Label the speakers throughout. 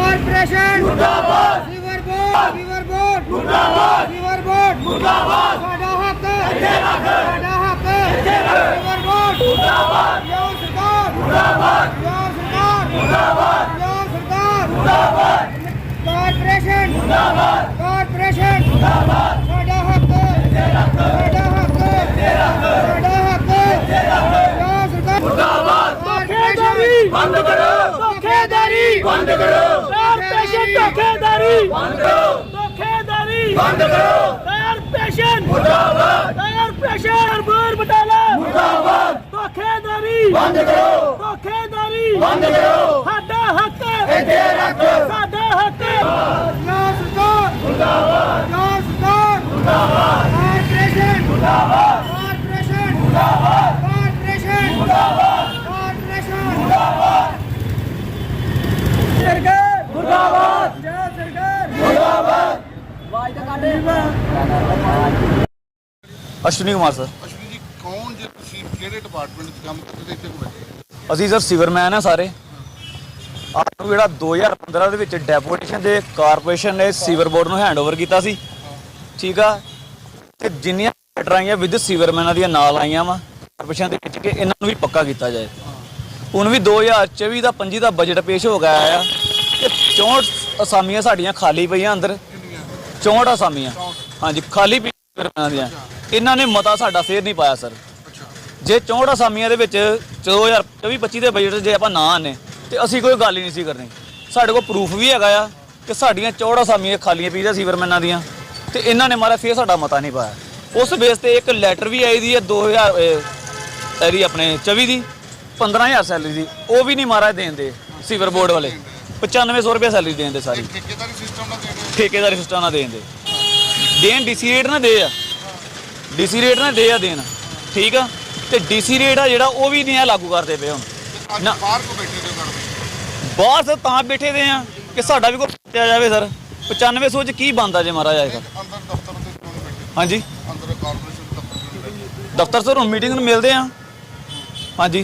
Speaker 1: Corporation मुर्दाबाद, sewer board मुर्दाबाद, sewer board मुर्दाबाद, साडा हक साडा हक, सीवर बोर्ड मुर्दाबाद, यो सरकार मुर्दाबाद, यो सरकार मुर्दाबाद, यो सरकार मुर्दाबाद, कारपोरेशन मुर्दाबाद, कारपोरेशन मुर्दाबाद, साडा हक साडा हक साडा हक, यो सरकार मुर्दाबाद, कारपोरेशन बंद करो, धोखेधारी बंद करो, कारपोरेशन धोखेधारी बंद करो, धोखेधारी बंद करो, कारपोरेशन मुर्दाबाद, कारपोरेशन बोर बटाला मुर्दाबाद, धोखेधारी बंद करो, धोखेधारी बंद करो, साडा हक इत्थे रख, साडा हक, या सरकार मुर्दाबाद, या सरकार मुर्दाबाद, कारपोरेशन मुर्दाबाद, कारपोरेशन मुर्दाबाद, कारपोरेशन मुर्दाबाद, कारपोरेशन मुर्दाबाद, सरकार मुर्दाबाद, जय सरकार मुर्दाबाद।
Speaker 2: अश्विनी कुमार सर।
Speaker 3: ਅਸ਼ਵਨੀ ਜੀ ਕੌਣ ਜੇ ਤੁਸੀਂ ਕਿਹੜੇ ਡਿਪਾਰਟਮੈਂਟ 'ਚ ਕੰਮ ਕਰਦੇ ਤੇ ਇੱਥੇ ਕੋ ਬੈਠੇ?
Speaker 2: ਅਸੀਂ ਸਰ ਸਿਵਰਮੈਨ ਆ ਸਾਰੇ। ਆਪ ਨੂੰ ਜਿਹੜਾ 2015 ਦੇ ਵਿੱਚ ਡੈਪੂਟੇਸ਼ਨ ਦੇ ਕਾਰਪੋਰੇਸ਼ਨ ਨੇ ਸੀਵਰ ਬੋਰਡ ਨੂੰ ਹੈਂਡਓਵਰ ਕੀਤਾ ਸੀ, ਠੀਕ ਆ, ਤੇ ਜਿੰਨੀਆਂ ਲੈਟਰ ਆਈਆਂ ਵਿਦ ਸੀਵਰਮੈਨਾਂ ਦੀਆਂ ਨਾਲ ਆਈਆਂ ਵਾ ਕਾਰਪੋਰੇਸ਼ਨ ਦੇ ਵਿੱਚ ਕਿ ਇਹਨਾਂ ਨੂੰ ਵੀ ਪੱਕਾ ਕੀਤਾ ਜਾਏ। ਹੁਣ ਵੀ 2024 ਦਾ 25 ਦਾ ਬਜਟ ਪੇਸ਼ ਹੋ ਗਿਆ ਆ ਤੇ 64 ਅਸਾਮੀਆਂ ਸਾਡੀਆਂ ਖਾਲੀ ਪਈਆਂ ਅੰਦਰ, 64 ਅਸਾਮੀਆਂ ਹਾਂਜੀ ਖਾਲੀ ਪਈਆਂ ਸੀਵਰਮੈਨਾਂ ਦੀਆਂ। ਇਹਨਾਂ ਨੇ ਮਤਾ ਸਾਡਾ ਫੇਰ ਨਹੀਂ ਪਾਇਆ ਸਰ। ਜੇ 64 ਅਸਾਮੀਆਂ ਦੇ ਵਿੱਚ 2024-25 ਦੇ ਬਜਟ ਜੇ ਆਪਾਂ ਨਾ ਆਨੇ ਤੇ ਅਸੀਂ ਕੋਈ ਗੱਲ ਹੀ ਨਹੀਂ ਸੀ ਕਰਨੀ। ਸਾਡੇ ਕੋਲ ਪ੍ਰੂਫ ਵੀ ਹੈਗਾ ਆ ਕਿ ਸਾਡੀਆਂ 64 ਅਸਾਮੀਆਂ ਖਾਲੀਆਂ ਪਈਆਂ ਸੀਵਰਮੈਨਾਂ ਦੀਆਂ ਤੇ ਇਹਨਾਂ ਨੇ ਮਾਰਾ ਫੇਰ ਸਾਡਾ ਮਤਾ ਨਹੀਂ ਪਾਇਆ। ਉਸ ਬੇਸ ਤੇ ਇੱਕ ਲੈਟਰ ਵੀ ਆਈ ਦੀ ਹੈ 2000 ਇਹਦੀ ਆਪਣੇ 24 ਦੀ 15000 ਸੈਲਰੀ ਦੀ, ਉਹ ਵੀ ਨਹੀਂ ਮਾਰਾ ਦੇਂਦੇ ਸੀਵਰ ਬੋਰਡ ਵਾਲੇ। 9500 ਰੁਪਏ ਸੈਲਰੀ ਦੇਂਦੇ ਸਾਰੀ,
Speaker 3: ਠੇਕੇਦਾਰੀ ਸਿਸਟਮ ਨਾਲ ਦੇਣੇ
Speaker 2: ਠੇਕੇਦਾਰੀ ਸਿਸਟਮ ਨਾਲ ਦੇਂਦੇ ਦੇਣ ਡੀਸੀ ਰੇਟ ਨਾ ਦੇ ਆ, ਡੀਸੀ ਰੇਟ ਨਾ ਦੇ ਆ ਦੇਣ, ਠੀਕ ਆ, ਤੇ ਡੀਸੀ ਰੇਟ ਆ ਜਿਹੜਾ ਉਹ ਵੀ ਨਹੀਂ ਆ ਲਾਗੂ ਕਰਦੇ ਪਏ ਹੁਣ।
Speaker 3: ਅੱਜ
Speaker 2: ਨਾ।
Speaker 3: ਬਾਹਰ ਕੋ ਬੈਠੇ ਤੇ ਕਰਦੇ
Speaker 2: ਬਾਹਰ ਸਰ ਤਾਂ ਬੈਠੇ ਦੇ ਆ ਕਿ ਸਾਡਾ ਵੀ ਕੋਈ ਪੁੱਛਿਆ ਜਾਵੇ ਸਰ। 9500 ਚ ਕੀ ਬਣਦਾ ਜੇ ਮਾਰਾ ਜਾਏਗਾ?
Speaker 3: ਅੰਦਰ ਦਫ਼ਤਰ ਦੇ ਕਿਉਂ ਨਹੀਂ ਬੈਠੇ?
Speaker 2: ਹਾਂਜੀ
Speaker 3: ਅੰਦਰ ਕਾਰਪੋਰੇਸ਼ਨ ਦਫ਼ਤਰ ਕਿਉਂ ਨਹੀਂ ਬੈਠੇ?
Speaker 2: ਦਫ਼ਤਰ ਸਰ ਹੁਣ ਮੀਟਿੰਗ ਨੂੰ ਮਿਲਦੇ ਆ। ਹਾਂਜੀ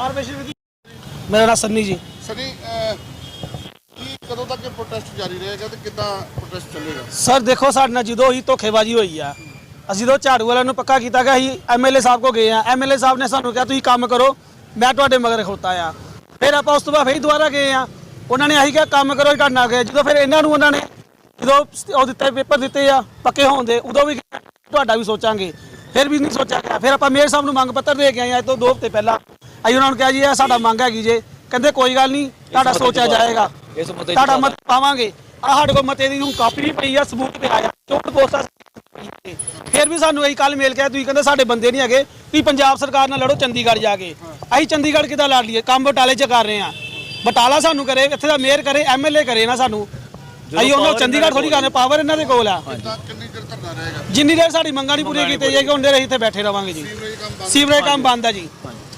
Speaker 4: मेरा नाम सन्नी जी।
Speaker 3: ਸਨੀ ਕੀ ਕਦੋਂ ਤੱਕ ਇਹ ਪ੍ਰੋਟੈਸਟ ਜਾਰੀ ਰਹੇਗਾ ਤੇ ਕਿੱਦਾਂ ਪ੍ਰੋਟੈਸਟ ਚੱਲੇਗਾ?
Speaker 4: ਸਰ ਦੇਖੋ ਸਾਡੇ ਨਾਲ ਜਦੋਂ ਹੀ ਧੋਖੇਬਾਜ਼ੀ ਹੋਈ ਆ, ਅਸੀਂ ਤਾਂ ਝਾੜੂ ਵਾਲਿਆਂ ਨੂੰ ਪੱਕਾ ਕੀਤਾ ਕਿ ਅਸੀਂ ਐਮਐਲਏ ਸਾਹਿਬ ਕੋ ਗਏ ਆ, ਐਮਐਲਏ ਸਾਹਿਬ ਨੇ ਸਾਨੂੰ ਕਿਹਾ ਤੁਸੀਂ ਕੰਮ ਕਰੋ, ਮੈਂ ਤੁਹਾਡੇ ਮਗਰ ਖਲੋਤਾ ਆ। ਫਿਰ ਆਪਾਂ ਉਸ ਤੋਂ ਬਾਅਦ ਫਿਰ ਦੁਬਾਰਾ ਗਏ ਆ, ਉਹਨਾਂ ਨੇ ਆਹੀ ਕਿਹਾ ਕੰਮ ਕਰੋ, ਤੁਹਾਡੇ ਨਾਲ ਗਏ। ਜਦੋਂ ਫਿਰ ਇਹਨਾਂ ਨੂੰ ਉਹਨਾਂ ਨੇ ਜਦੋਂ ਉਹ ਦਿੱਤੇ ਪੇਪਰ ਦਿੱਤੇ ਆ ਪੱਕੇ ਹੋਣ ਦੇ, ਉਦੋਂ ਵੀ ਤੁਹਾਡਾ ਵੀ ਸੋਚਾਂਗੇ, ਫਿਰ ਵੀ ਨਹੀਂ ਸੋਚਿਆ ਗਿਆ। ਫਿਰ ਆਪਾਂ ਮੇਅਰ ਸਾਹਿਬ ਨੂੰ ਮੰਗ ਪੱਤਰ ਦੇ ਕੇ ਆਏ ਅੱਜ ਤੋਂ 2 ਹਫ਼ਤੇ ਪਹਿਲਾਂ। ਅਸੀਂ ਉਹਨਾਂ ਨੂੰ ਕਿਹਾ ਜੀ ਇਹ ਸਾਡਾ ਮੰਗ ਹੈਗੀ ਜੇ, ਕਹਿੰਦੇ ਕੋਈ ਗੱਲ ਨਹੀਂ ਤੁਹਾਡਾ ਸੋਚਿਆ ਜਾਏਗਾ, ਤੁਹਾਡਾ ਮਤ ਪਾਵਾਂਗੇ। ਆ ਸਾਡੇ ਕੋਲ ਮਤੇ ਦੀ ਹੁਣ ਕਾਪੀ ਵੀ ਪਈ ਆ, ਸਬੂਤ ਪਿਆ ਆ, 64 ਪੋਸਟਾਂ। ਫਿਰ ਵੀ ਸਾਨੂੰ ਅਸੀਂ ਕੱਲ ਮੇਲ ਕਿਹਾ ਤੁਸੀਂ ਕਹਿੰਦੇ ਸਾਡੇ ਬੰਦੇ ਨਹੀਂ ਹੈਗੇ, ਤੁਸੀਂ ਪੰਜਾਬ ਸਰਕਾਰ ਨਾਲ ਲੜੋ ਚੰਡੀਗੜ੍ਹ ਜਾ ਕੇ। ਅਸੀਂ ਚੰਡੀਗੜ੍ਹ ਕਿੱਦਾਂ ਲੜ ਲਈਏ? ਕੰਮ ਬਟਾਲੇ 'ਚ ਕਰ ਰਹੇ ਆ, ਬਟਾਲਾ ਸਾਨੂੰ ਕਰੇ, ਇੱਥੇ ਦਾ ਮੇਅਰ ਕਰੇ, ਐਮਐਲਏ ਕਰੇ ਨਾ ਸਾਨੂੰ। ਅਸੀਂ ਉਹਨਾਂ ਚੰਡੀਗੜ੍ਹ ਥੋੜੀ ਕਰਨੇ, ਪਾਵਰ ਇਹਨਾਂ ਦੇ ਕੋਲ ਆ।
Speaker 3: ਕਿੰਨੀ ਚਿਰ ਧਰਨਾ ਰਹੇਗਾ?
Speaker 4: ਜਿੰਨੀ ਦੇਰ ਸਾਡੀ ਮੰਗਾਂ ਨਹੀਂ ਪੂਰੀਆਂ ਕੀਤੀਆਂ ਜਾਏਗੀ ਉਨੀ ਦੇਰ ਅਸੀਂ ਇੱਥੇ ਬੈਠੇ ਰਵਾਂਗੇ ਜੀ। ਸੀਵਰੇਜ ਕੰਮ ਬੰਦ ਆ ਜੀ।